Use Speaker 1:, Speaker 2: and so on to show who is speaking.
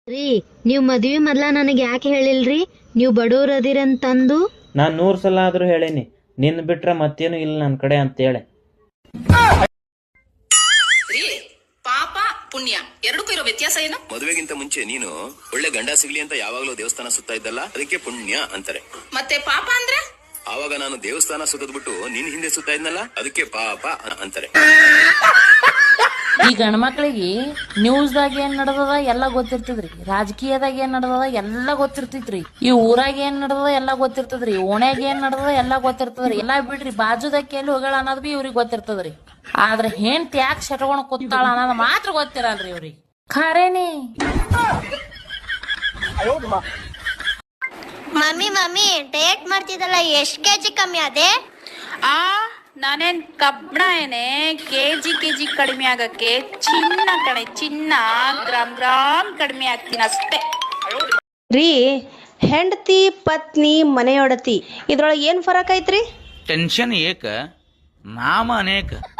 Speaker 1: ರೀ ನೀವ್ ಮದ್ವಿ ಮೊದ್ಲ ನನಗೆ ಯಾಕೆ ಹೇಳಿಲ್ರಿ ನೀವು ಬಡವ್ರ ಅದಿರಂತಂದು?
Speaker 2: ನಾನು 100 ಸಲ ಆದ್ರೂ ಹೇಳೇನಿ, ನಿನ್ ಬಿಟ್ರೆ ಮತ್ತೇನು ಇಲ್ಲ ನನ್ನ ಕಡೆ ಅಂತೇಳಿ.
Speaker 3: ಪಾಪ ಪುಣ್ಯ ಎರಡಕ್ಕೂ ಇರೋ ವ್ಯತ್ಯಾಸ ಏನು?
Speaker 4: ಮದುವೆಗಿಂತ ಮುಂಚೆ ನೀನು ಒಳ್ಳೆ ಗಂಡ ಸಿಗ್ಲಿ ಅಂತ ಯಾವಾಗ್ಲೂ ದೇವಸ್ಥಾನ ಸುತ್ತಾ ಇದ್ದಲ್ಲ, ಅದಕ್ಕೆ ಪುಣ್ಯ ಅಂತಾರೆ.
Speaker 3: ಮತ್ತೆ ಪಾಪ ಅಂದ್ರೆ?
Speaker 4: ಆವಾಗ ನಾನು ದೇವಸ್ಥಾನ ಸುತ್ತದ್ಬಿಟ್ಟು ನಿನ್ ಹಿಂದೆ ಸುತ್ತಾ ಇದ್ನಲ್ಲ, ಅದಕ್ಕೆ ಪಾಪ ಅಂತಾರೆ.
Speaker 5: ಈ ಗಂಡ್ಮಕ್ಳಿಗೆ ನ್ಯೂಸ್ದಾಗ ಏನ್ ನಡ್ದದ ಎಲ್ಲ ಗೊತ್ತಿರ್ತದ್ರಿ, ರಾಜಕೀಯದಾಗ ಏನ್ ನಡ್ದದ ಎಲ್ಲ ಗೊತ್ತಿರ್ತೈತ್ರಿ, ಈ ಊರಾಗ ಏನ್ ನಡ್ದದ ಎಲ್ಲ ಗೊತ್ತಿರ್ತದ್ರಿ, ಓಣ್ಯಾಗ ಏನ್ ನಡ್ದದ ಎಲ್ಲ ಗೊತ್ತಿರ್ತದ್ರಿ. ಎಲ್ಲಾ ಬಿಡ್ರಿ, ಬಾಜುದಕ್ಕೆ ಎಲ್ಲಿ ಹೋಗಳ ಅನ್ನೋದ್ ಬಿ ಇವ್ರಿಗೆ ಗೊತ್ತಿರ್ತದ್ರಿ. ಆದ್ರೆ ಹೆಂಡ್ತಿ ಯಾಕೆ ಶಟ್ಕೊಂಡ್ ಕೂತಾಳ ಅನ್ನೋದು ಮಾತ್ರ ಗೊತ್ತಿರಲ್ರಿ ಇವ್ರಿಗೆ. ಖರೇನಿ
Speaker 6: ಮಮ್ಮಿ ಡಯಟ್ ಮಾಡ್ತಿದ್ದಲ್ಲ, ಎಷ್ಟ್ ಕೆಜಿ ಕಮ್ಮಿ ಆದೆ?
Speaker 7: ನಾನೇನ್ ಕಬ್ಬಣ ಏನೇ ಕೆಜಿ ಕಡಿಮೆ ಆಗಕ್ಕೆ ಚಿನ್ನ ಕಣೆ, ಚಿನ್ನ ಗ್ರಾಮ್ ಕಡಿಮೆ ಆಗ್ತೀನಿ ಅಷ್ಟೇ
Speaker 8: ರೀ. ಹೆಂಡತಿ ಪತ್ನಿ ಮನೆಯೊಡತಿ ಇದ್ರೊಳಗೆ ಏನ್ ಫರಕ್ ಐತ್ರಿ?
Speaker 9: ಟೆನ್ಷನ್ ಏಕ ನಾಮ ಅನೇಕ.